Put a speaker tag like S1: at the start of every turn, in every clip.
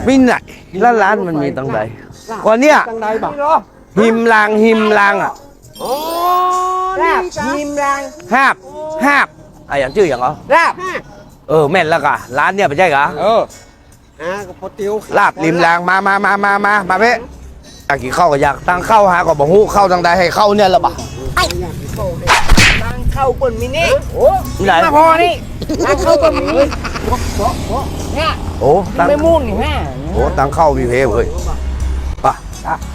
S1: มีไหนแล้วร้านมันมีตั้งใดก่อนเนี้ยหิมลางอ่ะ
S2: ราบหิมลาง
S1: ฮาบอย่างชื่ออย่างเหรอ
S2: ราบ
S1: แม่นแล้วกะร้านเนี่ยไม่ใช่เหรอ
S2: กับพอติว
S1: ลาบริมรางมาเพ่อยากกินข้าวก็อยากตั้งเข้าหาก็บอกฮู้เข้าตั้งใดให้เข้าเนี่ยละบ่ะ
S2: ตั้งเข้าเปิ่นมินิ
S1: ไหน
S2: มาพอนี่ตั้งเข้าเปิ่นมินิเนี่ย
S1: ตั้ง
S2: ไม่มุ่นนี่ฮะ
S1: ตั้งเข้ามีเพเฮ้ยป่ะ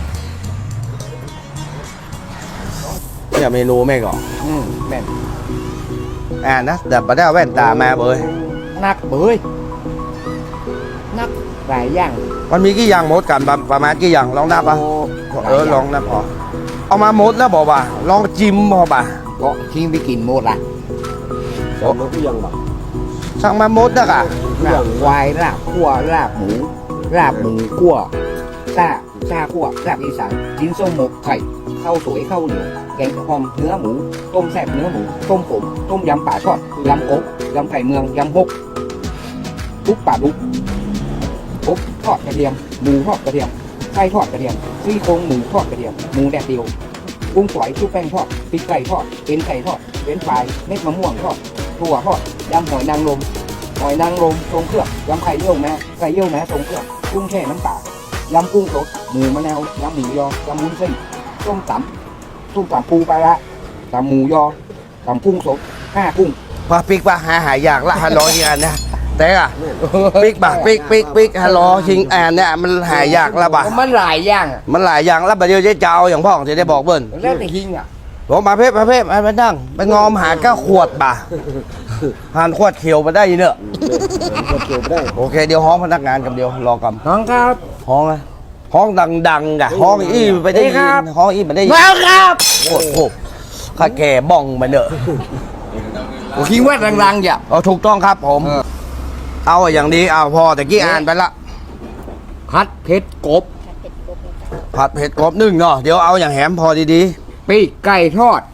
S1: เนี่ยเมนูแม่ก่อน
S2: แม่น
S1: นะแต่ประเดี๋ยวแว่นตามาเบย
S2: นักเบยนักหลายอย่าง
S1: มันมีกี่อย่างหมดกันประมาณกี่อย่างลองนับป่ะลองนับพอเอามาหมดแล้วบอกว่าลองจิ้มพอป่ะ
S2: ก็ทิ้งไปกินหมดละ
S1: สั่งมากี่อย่างบ่สั่งมาหมดนะกะ
S2: ลาบควายลาบขั่วลาบหมูขั่วซาขั่วลาบอีสานจิ้นส้มหมกไข่ข้าวสวยข้าวเหนียวแกงหอมเนื้อหมูต้มแซ่บเนื้อหมูต้มผมต้มยำป่าทอดยำกบยำไข่เมืองยำฮกทุกป่าดุกกบทอดกระเทียมหมูทอดกระเทียมไส้ทอดกระเทียมซี่โครงหมูทอดกระเทียมหมูแดดเดียวกุ้งฝอยชุบแป้งทอดพริกไก่ทอดเอ็นไก่ทอดเฟรนช์ฟรายเม็ดมะม่วงทอดถั่วทอดยำหอยนางรมทรงเครื่องยำไข่เยี่ยวแม้ทรงเครื่องกุ้งแช่น้ำปลายำกุ้งสดหมูมะนาวยำหมูยอยำวุ้นเส้นส้มตำปูปลาละตำหมูยอตำกุ้งสดกุ้ง
S1: พอปิ๊กป่ะหายากละฮัลโหลที่อันนะแต่อะปิ๊กป่ะปิ๊กฮัลโหลชิงอันเนี่ยมันหายากละบ่ะ
S2: มันหลายอย่าง
S1: มันหลายอย่างแล้วเดี๋ยวจะเอาอย่างพ่อจะได้บอกเบิ้ล
S2: แล้วแต่หิงอ่ะ
S1: ผมมาเพ่ไปนั่งไปงอมหาก้าขวดบ่ะหันขวดเขียวมาได้ยินเนอะโอเคเดี๋ยวห้องพนักงานกับเดียวรอกับ
S2: ห้องครับ
S1: ห้องอะห้องดังๆอะห้องอี้ไปได้ยินห้องอี้ไปได้ยิน
S2: แล้วครับ
S1: โอ้โหข้าแก่บ้องมาเนอะ
S2: คิดว่าดังๆอย่า
S1: ถูกต้องครับผมเอาอย่างนี้เอาพอแต่กี้อ่านไปละ
S2: ผัดเผ็ดกบ
S1: นึ่งเนาะเดี๋ยวเอาอย่างแหมพอดี
S2: ๆปีกไก่ทอด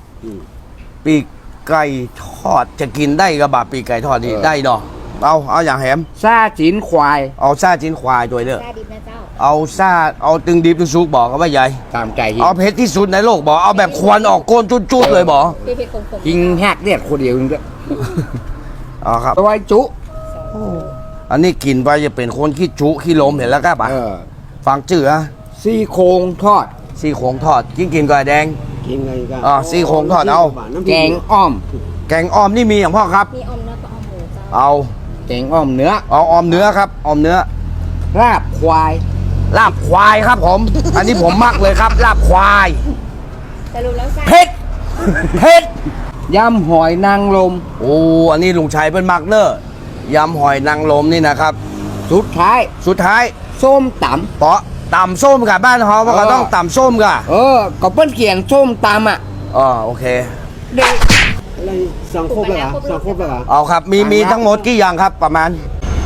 S1: จะกินได้กับบะปีกไก่ทอดนี่ได้เนาะเอาอย่างแหม
S2: ซาจีนควาย
S1: เอาซาจีนควายด้วยเด้อ
S3: ซาดิบนะเจ้า
S1: เอาตึงดิบตึงซุกบอกเขาว่าใหญ่
S2: ตามใจ
S1: เอาเผ็ดที่สุดในโลกบอกเอาแบบควันออกก้นจุดเลยบอก
S3: เผ็ดคม
S2: ยิงแหกเลียดคนเดียวนึงด้วย
S1: ครับ
S2: ตัวจุ
S1: อันนี้กินไปจะเป็นคนขี้จุขี้ลมเห็นแล้วก็ป่ะฟังจื่อ
S2: ซี่โครงทอด
S1: กินก่อยแดง
S2: กินไงกัน
S1: ซี่โครงทอดเอา
S2: แกงอ้อม
S1: นี่มีอย่างพ่อครับ
S3: มีออมเนื้อกับออมหมูเจ้า
S1: เอา
S2: แกงอ้อมเนื้อ
S1: ออมเนื้อครับออมเนื้อ
S2: ลาบควาย
S1: ครับผมอันนี้ผมมักเลยครับลาบควาย
S3: แต่รู้แล้ว
S1: เผ็ด
S2: ยำหอยนางรม
S1: อันนี้ลุงชัยเป็นมักเนอะยำหอยนางรมนี่นะครับ
S2: สุดท้ายส้มตำ
S1: เพราะตำส้มกับบ้านเขาก็ต้องตำส้มกับ
S2: ก็เปิ้ลเขียนส้มตำอ่ะ
S1: โอเค
S2: เด็กอะไรสั่งครบแล้ว
S1: เอาครับมีทั้งหมดกี่อย่างครับประมาณ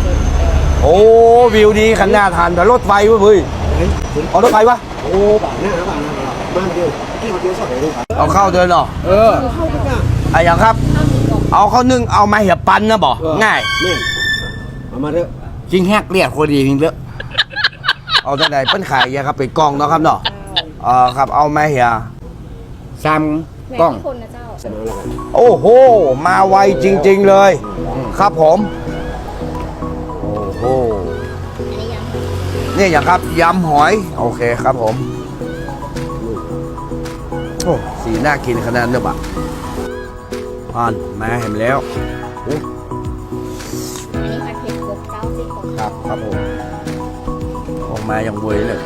S1: วิวดีขนาดหันแต่รถไฟเว้ยเอารถไฟวะ
S2: บ้านบ้านเดียวที่เขาเดียวสอดเลย
S1: เอาเข้าเดินหรออย่างครับเอาเข้านึ่งเอามาเหี่ยปันนะบอกง่าย
S2: เอามาเถอะจริงแฮกเรียกคนดีจริงเถอะ
S1: เอาได้ไหนเปิ้ลขายยาครับเป็นกล่องเนาะครับเนาะครับเอามาเหี่ย
S2: ซ้ำกล้อง
S1: โอ้โหมาไวจริงๆเลยครับผมโอ้โหนี่อย่างครับยำหอยโอเคครับผมสีน่ากินขนาดนี้บ่ะมาเห็นแล้ว
S3: อันนี้ผัดเผ็ดกบเจ้าสิ
S1: ครับผมออกมาอย่างเวยเลย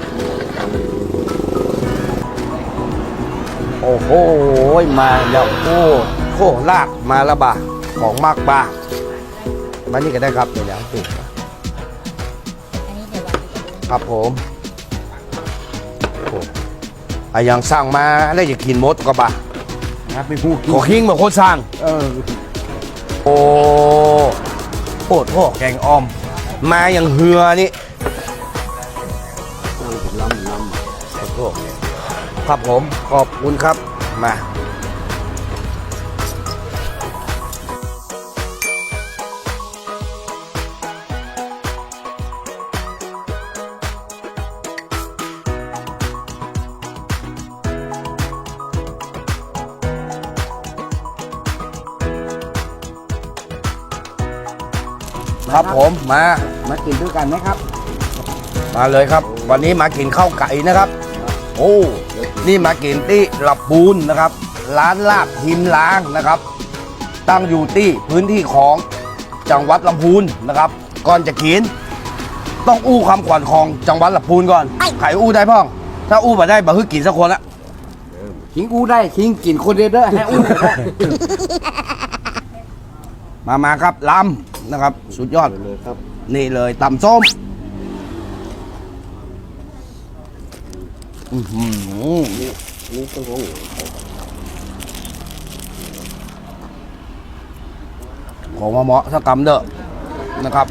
S1: โอ้โหมาแล้วโคลากมาแล้วบ่ะของมากบ่ะมานี่ก็ได้ครับเดี๋ยวถูกครับผมอย่างสั่งมาได้จะกินมดก็บ่ะ
S2: ครับไม่พูด
S1: ขอคิงมาโคตรสั่งโทษแกงอ้อมมาอย่างเหือนี่ครับผมขอบคุณครับมาครับผมมา
S2: มากินด้วยกันไหมครับ
S1: มาเลยครับ วันนี้มากินข้าวไก่นะครับ โอ้นี่มากินที่ลำพูนนะครับ ร้านลาบหิมล้างนะครับ ตั้งอยู่ที่พื้นที่ของจังหวัดลำพูนนะครับ ก่อนจะกินต้องอู้คำขวัญของจังหวัดลำพูนก่อนไข่อู้ได้พ่อง ถ้าอู้มาได้บะฮึกกินสักคนละ
S2: คิงอู้ได้คิงกินคนเดียวได้ให้อู้ได้
S1: มาครับลำนะครับ สุดยอด
S2: เลยครับ
S1: นี่เลยตำส้มอื้อหือ
S2: นี่ต้องของ
S1: ของมาเหมาะสักกำเด้อนะครับ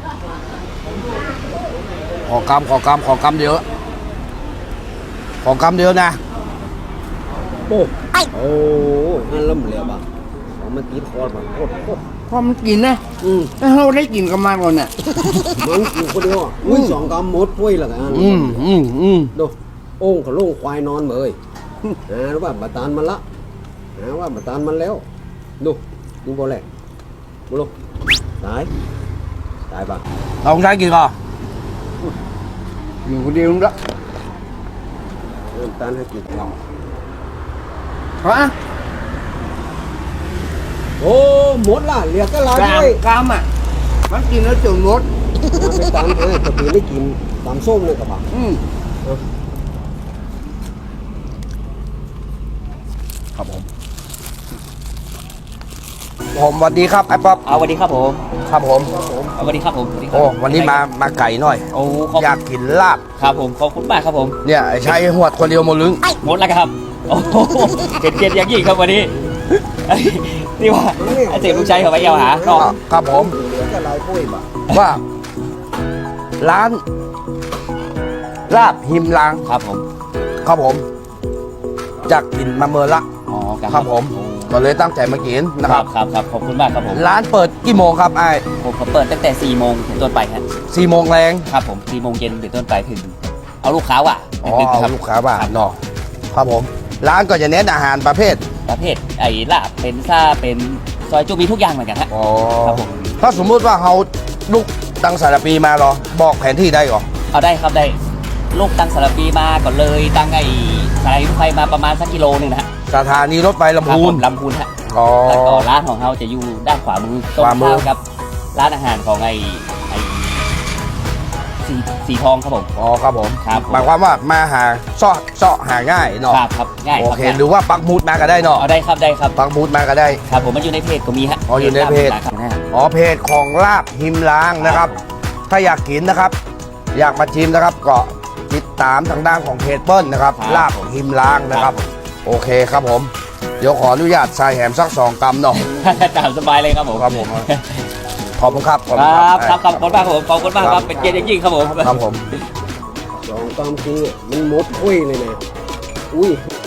S1: ขอกำเดียวขอกำเดียวนะ
S2: โอ้อันล้ำเหลวอ่ะเอามากินคอแบบโคตรพอมันกินนะแล้วเราได้กินกับมันก่อนน่ะมันกินคนเดียวอุ้ย2 กำหมดถ้วยละกัน ดูโอ่งเขาลงควายนอนเบยรู้ป่ะบาตานมันละว่าบาตานมันแล้วดูบ่แหละบุลตายป่ะ
S1: เราใช้กินก่อน
S2: อยู่คนเดียวละตานให้กินเราฮะโอ้หมดละเหลือก็ลายด้วยกามอ่ะมันกินแล้วจนหมดไปตามตะปีไม่กินตามส้มเลยกับป่ะ
S1: ครับผมสวัสดีครับไอ้ป๊อป
S4: เอาสวัสดีครับผม
S1: ครับผม
S4: เอาสวัสดีครับผมสวัสดีครั
S1: โอ้วันนี้มาไก่หน่อย
S4: โอ้ขอบ
S1: อยากกินลาบ
S4: ครับผมขอบคุณมากครับผม
S1: เนี่ยไอ้ชัยหวดคนเดียวหมดลึง
S4: หมดแล้วครับโอ้โหเกียรติอย่างยิ่งครับวันนี้ที่ว่าไอ้เสียลูกชายเขาไปเอวหาก็
S1: ครับผม
S2: เหลือก็ลายปุ้ยป่ะ
S1: ว่าร้านลาบหิมลาง
S4: ครับผม
S1: ครับผมจากกินมาเมื่อละ
S4: อ๋อ
S1: ครับผมก็เลยตั้งใจมากินนะ
S4: ค
S1: ค
S4: รั
S1: รั
S4: บบ ครับครับขอบคุณมากครับผม
S1: ร้านเปิดกี่โมงครับไอ้
S4: ผมเปิดตั้งแต่4โมงถึงต้นไปครับ
S1: 4 โมงแรง
S4: ครับผม4โมงเย็นถึงต้นไปถึงเอาลูกค้าว่ะ
S1: อ๋อ
S4: ดึกๆค
S1: เอา
S4: รับ
S1: ลูกค้าบ้านเนาะครับผม ร้านก็จะเน้นอาหารประเภท
S4: ประเภทไอ้ลาบเป็นซ่าเป็นซอยจุมีทุกอย่างเหมือนกันฮะ
S1: อ๋อ
S4: ครับผม
S1: ถ้าสมมุติว่าเขาลูกตั้งสารปีมาเหรอบอกแผนที่ได้เหรอ
S4: เอาได้ครับได้ลูกตั้งสารปีมาก่อนเลยตั้งไอ้สายรถไฟมาประมาณสักกิโลนึงนะฮะ
S1: สถานีรถไฟลำ
S4: ครับ
S1: พู
S4: ผ
S1: น
S4: มลำพูนฮะ
S1: อ๋อ
S4: แล้วก็ร้านของเราจะอยู่ด้านขวามือตรง
S1: ขวามือ
S4: ข้ามกับร้านอาหารของไอ้สีทองครับผม
S1: อ๋อครับผม
S4: ครับผม
S1: หมายความว่ามาหาเสาะหาง่ายเนาะ
S4: ครับครับง่าย
S1: โอ
S4: ครับ
S1: เค
S4: ง่าย
S1: หรือว่าปักหมุดมาก็ได้เนาะ
S4: เอาได้ครับได้ครับ
S1: ปักหมุดมาก็ได้
S4: ครับผมมันอยู่ในเพจก็มีฮะ
S1: อ๋ออยู่ในเพจ
S4: ครับนะ
S1: อ๋อเพจของลาบหิมล้างนะครับ ถ้าอยากกินนะครับ อยากมาชิมนะครับก็ติดตามทางด้านของเพจเปิ้ลนะครับ ลาบหิมล้างนะครับ โอเคครับผม เดี๋ยวขออนุญาตใส่แหมสัก2 กำเนาะ
S4: ตามสบายเลยครับผม
S1: ครับผม ขอบคุณครับ
S4: ครับครับขอบคุณมากครับผมขอบคุณมากครับเป็นเกียรติอย่างยิ่งครับผม
S1: ครับผม
S2: 2 กำคือมันหมดถ้วยเลยนะอุ้ย